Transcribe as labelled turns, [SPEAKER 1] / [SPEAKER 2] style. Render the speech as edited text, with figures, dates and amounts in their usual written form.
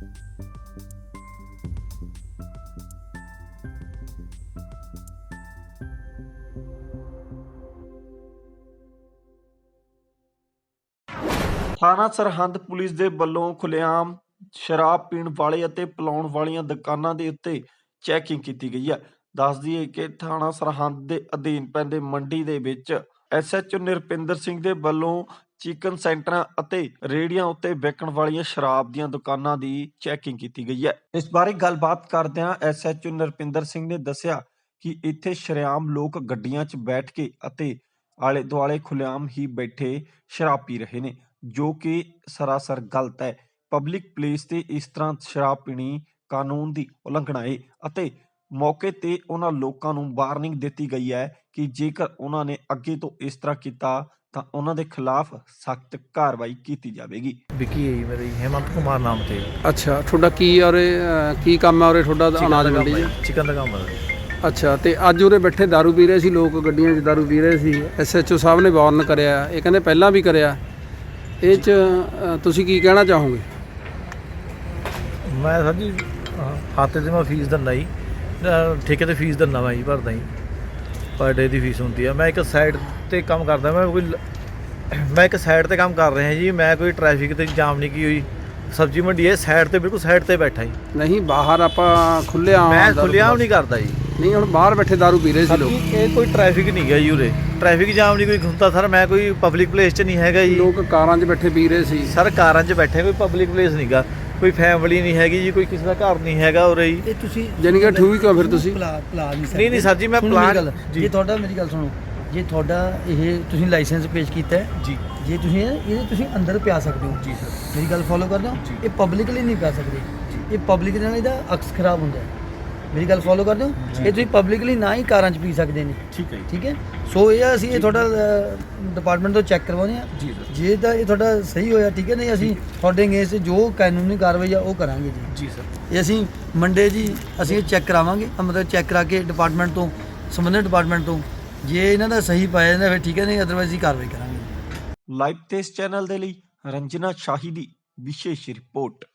[SPEAKER 1] ਥਾਣਾ ਸਰਹੰਦ ਪੁਲਿਸ ਦੇ ਵੱਲੋਂ ਖੁੱਲ੍ਹੇਆਮ ਸ਼ਰਾਬ ਪੀਣ ਵਾਲੇ ਅਤੇ ਪਿਲਾਉਣ ਵਾਲੀਆਂ ਦੁਕਾਨਾਂ ਦੇ ਉੱਤੇ ਚੈਕਿੰਗ ਕੀਤੀ ਗਈ ਹੈ। ਦੱਸ ਦਈਏ ਕਿ ਥਾਣਾ ਸਰਹੰਦ ਦੇ ਅਧੀਨ ਪੈਂਦੇ ਮੰਡੀ ਦੇ ਵਿੱਚ SHO ਨਿਰਪਿੰਦਰ ਸਿੰਘ ਦੇ ਵੱਲੋਂ ਚਿਕਨ ਸੈਂਟਰਾਂ ਅਤੇ ਰੇਹੜੀਆਂ ਉੱਤੇ ਵਿਕਣ ਵਾਲੀਆਂ ਸ਼ਰਾਬ ਦੀਆਂ ਦੁਕਾਨਾਂ ਦੀ ਚੈਕਿੰਗ ਕੀਤੀ ਗਈ ਹੈ। ਇਸ ਬਾਰੇ ਗੱਲਬਾਤ ਕਰਦਿਆਂ SHO ਨਿਰਪਿੰਦਰ ਸਿੰਘ ਨੇ ਦੱਸਿਆ ਕਿ ਇੱਥੇ ਸ਼ਰੇਆਮ ਲੋਕ ਗੱਡੀਆਂ 'ਚ ਬੈਠ ਕੇ ਅਤੇ ਆਲੇ ਦੁਆਲੇ ਖੁੱਲ੍ਹੇਆਮ ਹੀ ਬੈਠੇ ਸ਼ਰਾਬ ਪੀ ਰਹੇ ਨੇ, ਜੋ ਕਿ ਸਰਾਸਰ ਗਲਤ ਹੈ। ਪਬਲਿਕ ਪਲੇਸ ਤੇ ਇਸ ਤਰ੍ਹਾਂ ਸ਼ਰਾਬ ਪੀਣੀ ਕਾਨੂੰਨ ਦੀ ਉਲੰਘਣਾ ਹੈ ਅਤੇ ਮੌਕੇ ਤੇ ਉਹਨਾਂ ਲੋਕਾਂ ਨੂੰ ਵਾਰਨਿੰਗ ਦਿੱਤੀ ਗਈ ਹੈ ਕਿ ਜੇਕਰ ਉਹਨਾਂ ਨੇ ਅੱਗੇ ਤੋਂ ਇਸ ਤਰ੍ਹਾਂ ਕੀਤਾ ਤਾਂ ਉਹਨਾਂ ਦੇ ਖਿਲਾਫ ਸਖਤ ਕਾਰਵਾਈ ਕੀਤੀ ਜਾਵੇਗੀ।
[SPEAKER 2] ਵਿੱਕੀ ਹੈ ਜੀ ਮੇਰੀ, ਹੇਮੰਤ ਕੁਮਾਰ ਨਾਮ ਤੇ।
[SPEAKER 3] ਅੱਛਾ, ਤੁਹਾਡਾ ਕੀ ਔਰੇ ਕੀ ਕੰਮ ਹੈ ਔਰੇ? ਤੁਹਾਡਾ ਅਨਾਜ ਮੰਡੀ ਜੀ
[SPEAKER 2] ਚਿਕਨ ਦਾ ਕੰਮ ਹੈ।
[SPEAKER 3] ਅੱਛਾ, ਤੇ ਅੱਜ ਉਰੇ ਬੈਠੇ ਦਾਰੂ ਪੀ ਰਹੇ ਸੀ ਲੋਕ, ਗੱਡੀਆਂ 'ਚ ਦਾਰੂ ਪੀ ਰਹੇ ਸੀ। SHO ਸਾਹਿਬ ਨੇ ਵਾਰਨ ਕਰਿਆ, ਇਹ ਕਹਿੰਦੇ ਪਹਿਲਾਂ ਵੀ ਕਰਿਆ। ਇਹ 'ਚ ਤੁਸੀਂ ਕੀ ਕਹਿਣਾ ਚਾਹੋਗੇ?
[SPEAKER 2] ਮੈਂ ਸਰ ਜੀ ਖਾਤੇ 'ਤੇ ਮੈਂ ਫੀਸ ਦਿੰਦਾ ਜੀ, ਠੇਕੇ 'ਤੇ ਫੀਸ ਦਿੰਦਾ ਮੈਂ ਜੀ, ਭਰਦਾ ਜੀ, ਪਰ ਡੇ ਦੀ ਫੀਸ ਹੁੰਦੀ ਆ। ਮੈਂ ਇੱਕ ਸਾਈਡ 'ਤੇ ਕੰਮ ਕਰਦਾ, ਮੈਂ ਇੱਕ ਸਾਈਡ 'ਤੇ ਕੰਮ ਕਰ ਰਿਹਾ ਜੀ। ਮੈਂ ਕੋਈ ਟ੍ਰੈਫਿਕ 'ਤੇ ਜਾਮ ਨਹੀਂ ਕੀ ਹੋਈ, ਸਬਜ਼ੀ ਮੰਡੀ ਹੈ ਸਾਈਡ 'ਤੇ, ਬਿਲਕੁਲ ਸਾਈਡ 'ਤੇ ਬੈਠਾ ਜੀ।
[SPEAKER 3] ਨਹੀਂ, ਬਾਹਰ ਆਪਾਂ ਖੁੱਲ੍ਹੇਆਮ
[SPEAKER 2] ਮੈਂ ਖੁੱਲ੍ਹੇਆਮ ਨਹੀਂ ਕਰਦਾ ਜੀ।
[SPEAKER 3] ਨਹੀਂ, ਹੁਣ ਬਾਹਰ ਬੈਠੇ ਦਾਰੂ ਪੀ ਰਹੇ ਸੀ ਲੋਕ।
[SPEAKER 2] ਇਹ ਕੋਈ ਟ੍ਰੈਫਿਕ ਨਹੀਂ ਗਿਆ ਜੀ ਉਰੇ, ਟ੍ਰੈਫਿਕ ਜਾਮ ਨਹੀਂ ਕੋਈ ਹੁੰਦਾ ਸਰ। ਮੈਂ ਕੋਈ ਪਬਲਿਕ ਪਲੇਸ 'ਚ ਨਹੀਂ ਹੈਗਾ ਜੀ।
[SPEAKER 3] ਲੋਕ ਕਾਰਾਂ 'ਚ ਬੈਠੇ ਪੀ ਰਹੇ ਸੀ
[SPEAKER 2] ਸਰ, ਕਾਰਾਂ 'ਚ ਬੈਠੇ, ਕੋਈ ਪਬਲਿਕ ਪਲੇਸ ਨਹੀਂ ਗਾ, ਕੋਈ ਫੈਮਿਲੀ ਨਹੀਂ ਹੈਗੀ ਜੀ, ਕੋਈ ਕਿਸੇ ਦਾ ਘਰ ਨਹੀਂ ਹੈਗਾ ਉਰੇ ਜੀ।
[SPEAKER 4] ਇਹ ਤੁਸੀਂ
[SPEAKER 3] ਜਾਣੀ ਕਿ ਠੀਕ ਆ ਫਿਰ ਤੁਸੀਂ
[SPEAKER 4] ਪਲਾ ਨਹੀਂ ਸਕਦੇ।
[SPEAKER 2] ਨਹੀਂ ਸਰ ਜੀ, ਮੈਂ ਪਲਾਨ
[SPEAKER 4] ਜੇ ਤੁਹਾਡਾ, ਮੇਰੀ ਗੱਲ ਸੁਣੋ, ਜੇ ਤੁਹਾਡਾ ਇਹ ਤੁਸੀਂ ਲਾਇਸੈਂਸ ਪੇਸ਼ ਕੀਤਾ ਹੈ
[SPEAKER 2] ਜੀ,
[SPEAKER 4] ਜੇ ਤੁਸੀਂ ਇਹਦੇ ਤੁਸੀਂ ਅੰਦਰ ਪਿਆ ਸਕਦੇ ਹੋ।
[SPEAKER 2] ਜੀ ਸਰ,
[SPEAKER 4] ਮੇਰੀ ਗੱਲ ਫੋਲੋ ਕਰਦੇ ਹੋ। ਇਹ ਪਬਲਿਕਲੀ ਨਹੀਂ ਪਿਆ ਸਕਦੇ, ਇਹ ਪਬਲਿਕ ਨਾਲ ਇਹਦਾ ਅਕਸ ਖਰਾਬ ਹੁੰਦਾ ਹੈ। ਮੇਰੀ ਗੱਲ ਫੋਲੋ ਕਰਦੇ ਹੋ। ਇਹ ਤੁਸੀਂ ਪਬਲਿਕਲੀ ਨਾ ਹੀ ਕਾਰਾਂ 'ਚ ਪੀ ਸਕਦੇ ਨੇ।
[SPEAKER 2] ਠੀਕ ਹੈ ਜੀ,
[SPEAKER 4] ਠੀਕ ਹੈ। ਸੋ ਇਹ ਅਸੀਂ ਇਹ ਤੁਹਾਡਾ ਡਿਪਾਰਟਮੈਂਟ ਤੋਂ ਚੈੱਕ ਕਰਵਾਉਂਦੇ ਹਾਂ
[SPEAKER 2] ਜੀ ਸਰ,
[SPEAKER 4] ਜੇ ਤਾਂ ਇਹ ਤੁਹਾਡਾ ਸਹੀ ਹੋਇਆ, ਠੀਕ ਹੈ। ਨਹੀਂ, ਅਸੀਂ ਤੁਹਾਡੇ ਅਗੇਂਸਟ ਜੋ ਕਾਨੂੰਨੀ ਕਾਰਵਾਈ ਆ ਉਹ ਕਰਾਂਗੇ ਜੀ।
[SPEAKER 2] ਜੀ ਸਰ।
[SPEAKER 4] ਇਹ ਅਸੀਂ ਮੰਡੇ ਜੀ ਅਸੀਂ ਇਹ ਚੈੱਕ ਕਰਾਵਾਂਗੇ, ਮਤਲਬ ਚੈੱਕ ਕਰਾ ਕੇ ਡਿਪਾਰਟਮੈਂਟ ਤੋਂ, ਸੰਬੰਧਿਤ ਡਿਪਾਰਟਮੈਂਟ ਤੋਂ ਜੇ ਇਹਨਾਂ ਦਾ ਸਹੀ ਪਾਇਆ ਜਾਂਦਾ ਫਿਰ ਠੀਕ ਹੈ, ਨਹੀਂ ਅਦਰਵਾਈਜ਼ ਹੀ ਕਾਰਵਾਈ ਕਰਾਂਗੇ।
[SPEAKER 1] ਲਾਈਵ ਤੇ ਇਸ ਚੈਨਲ ਦੇ ਲਈ ਰੰਜਨਾ ਸ਼ਾਹੀ ਦੀ ਵਿਸ਼ੇਸ਼ ਰਿਪੋਰਟ।